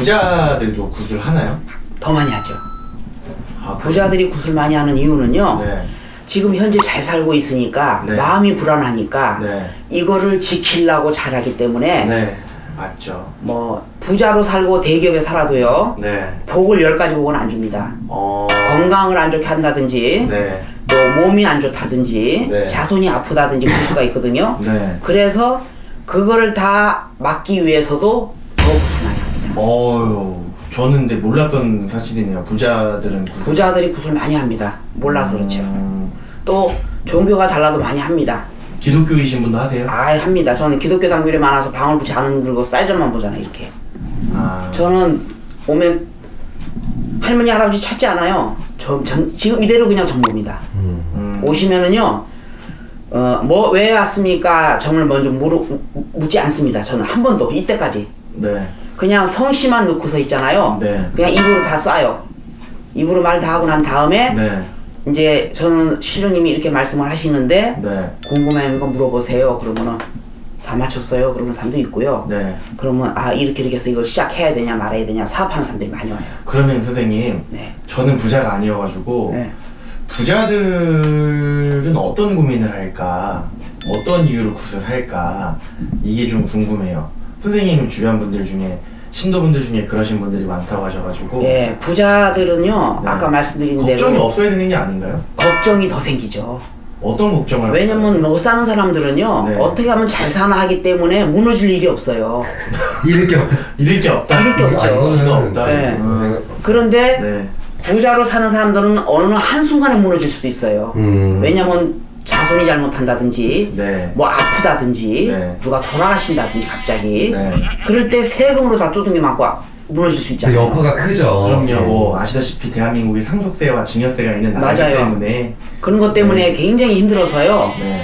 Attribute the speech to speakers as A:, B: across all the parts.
A: 부자들도 굿을 하나요?
B: 더 많이 하죠.
A: 아,
B: 부자들이 굿을 많이 하는 이유는요.
A: 네.
B: 지금 현재 잘 살고 있으니까
A: 네.
B: 마음이 불안하니까
A: 네.
B: 이거를 지키려고 잘하기 때문에
A: 네. 맞죠.
B: 뭐 부자로 살고 대기업에 살아도요.
A: 네.
B: 복을 10가지 복은 안 줍니다. 건강을 안 좋게 한다든지
A: 네.
B: 또 몸이 안 좋다든지
A: 네.
B: 자손이 아프다든지 그럴 수가 있거든요.
A: 네.
B: 그래서 그거를 다 막기 위해서도 더 굿을 많이 합니다.
A: 저는 근데 몰랐던 사실이네요. 부자들은 굿을.
B: 부자들이 굿을 많이 합니다. 몰라서 그렇죠. 또 종교가 달라도 많이 합니다.
A: 기독교이신 분도 하세요?
B: 합니다. 저는 기독교 단결이 많아서 방울붙이 안 들고 쌀점만 보잖아요. 이렇게. 저는 오면 할머니 할아버지 찾지 않아요. 지금 이대로 그냥 정봅니다. 오시면은요. 왜 왔습니까? 점을 먼저 묻지 않습니다. 저는 한 번도 이때까지.
A: 네.
B: 그냥 성씨만 넣고서 있잖아요.
A: 네.
B: 그냥 입으로 다 쏴요. 입으로 말 다 하고 난 다음에
A: 네.
B: 이제 저는 신령님이 이렇게 말씀을 하시는데
A: 네.
B: 궁금한 거 물어보세요. 그러면은 다 맞췄어요. 그러는 사람도 있고요.
A: 네.
B: 그러면 이렇게 해서 이걸 시작해야 되냐 말아야 되냐 사업하는 사람들이 많이 와요.
A: 그러면 선생님,
B: 네.
A: 저는 부자가 아니어가지고
B: 네.
A: 부자들은 어떤 고민을 할까, 어떤 이유로 굿을 할까, 이게 좀 궁금해요. 선생님 주변 분들 중에 신도분들 중에 그러신 분들이 많다고 하셔가지고.
B: 네, 부자들은요.
A: 네.
B: 아까 말씀드린
A: 걱정이
B: 대로
A: 없어야 되는 게 아닌가요?
B: 걱정이 더 생기죠.
A: 어떤 걱정을?
B: 왜냐면 못 사는 사람들은요.
A: 네.
B: 어떻게 하면 잘 사나 하기 때문에 무너질 일이 없어요.
A: 잃을 게 없다. 잃을 게 없죠.
B: 이가
A: 없다.
B: 네. 그런데
A: 네.
B: 부자로 사는 사람들은 어느 한순간에 무너질 수도 있어요. 왜냐면 자손이 잘못한다든지
A: 네.
B: 뭐 아프다든지
A: 네.
B: 누가 돌아가신다든지 갑자기
A: 네.
B: 그럴 때 세금으로 다 두둥이 맞고 무너질 수 있잖아요.
C: 여파가 크죠.
A: 그럼요. 뭐 아시다시피 대한민국이 상속세와 증여세가 있는 나라이기
B: 맞아요.
A: 때문에.
B: 그런 것 때문에 굉장히 힘들어서요.
A: 네.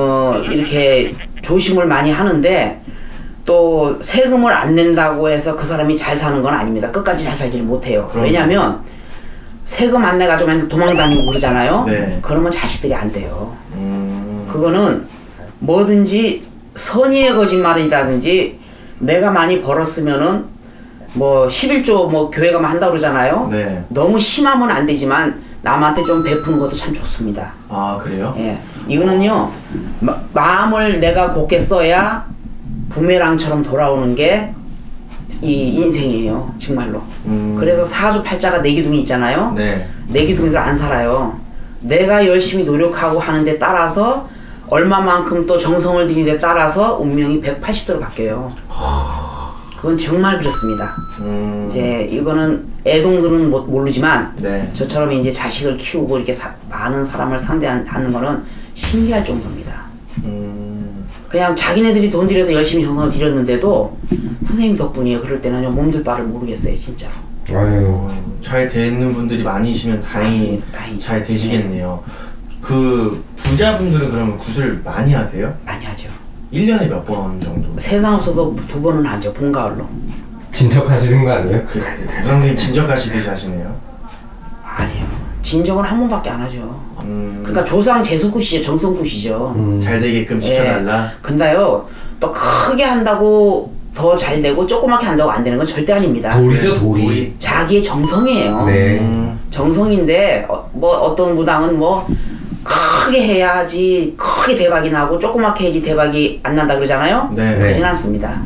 B: 이렇게 조심을 많이 하는데 또 세금을 안 낸다고 해서 그 사람이 잘 사는 건 아닙니다. 끝까지 잘 살지를 못해요.
A: 그럼요.
B: 왜냐면 세금 안 내가지고 맨날 도망다니고 그러잖아요.
A: 네.
B: 그러면 자식들이 안 돼요. 그거는 뭐든지 선의의 거짓말이라든지 내가 많이 벌었으면은 뭐 11조 뭐 교회가 한다고 그러잖아요.
A: 네.
B: 너무 심하면 안 되지만 남한테 좀 베푸는 것도 참 좋습니다.
A: 아, 그래요?
B: 예, 이거는요 마음을 내가 곱게 써야 부메랑처럼 돌아오는 게 이 인생이에요, 정말로. 그래서 사주팔자가 내기둥이 있잖아요.
A: 네.
B: 내기둥이들 안 살아요. 내가 열심히 노력하고 하는데 따라서 얼마만큼 또 정성을 들이는 데 따라서 운명이 180도로 바뀌어요. 그건 정말 그렇습니다. 이제 이거는 애동들은 모르지만
A: 네.
B: 저처럼 이제 자식을 키우고 이렇게 많은 사람을 상대하는 거는 신기할 정도입니다. 그냥 자기네들이 돈 들여서 열심히 정성을 들였는데도 선생님 덕분이에요. 그럴 때는 몸둘 바를 모르겠어요, 진짜로.
C: 아유.
A: 잘 되는 분들이 많이시면 다행히
B: 맞습니다. 다행이죠.
A: 잘 되시겠네요. 그 부자분들은 그러면 굿을 많이 하세요?
B: 많이 하죠.
A: 1년에 몇 번 정도?
B: 세상 없어도 2번은 하죠, 봄, 가을로.
C: 진척하시는 거 아니에요?
A: 선생님 진적하시듯이 하시네요.
B: 아니에요. 진정은 한 번밖에 안 하죠. 그러니까 조상 재수굿이죠, 정성굿이죠.
A: 잘 되게끔
B: 예.
A: 지켜달라.
B: 근데요, 또 크게 한다고 더 잘 되고 조그맣게 한다고 안 되는 건 절대 아닙니다.
C: 돌이죠, 돌이.
B: 자기의 정성이에요.
C: 네.
B: 정성인데 뭐 어떤 무당은 뭐 크게 해야지 크게 대박이 나고 조그맣게 해야지 대박이 안 난다 그러잖아요.
A: 네.
B: 그러진 않습니다.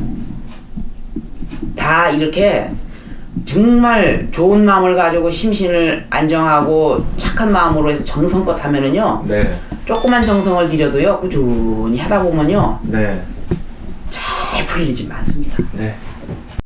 B: 다 이렇게 정말 좋은 마음을 가지고 심신을 안정하고 착한 마음으로 해서 정성껏 하면은요,
A: 네.
B: 조그만 정성을 들여도요 꾸준히 하다 보면요
A: 네.
B: 잘 풀리지 많습니다.
A: 네.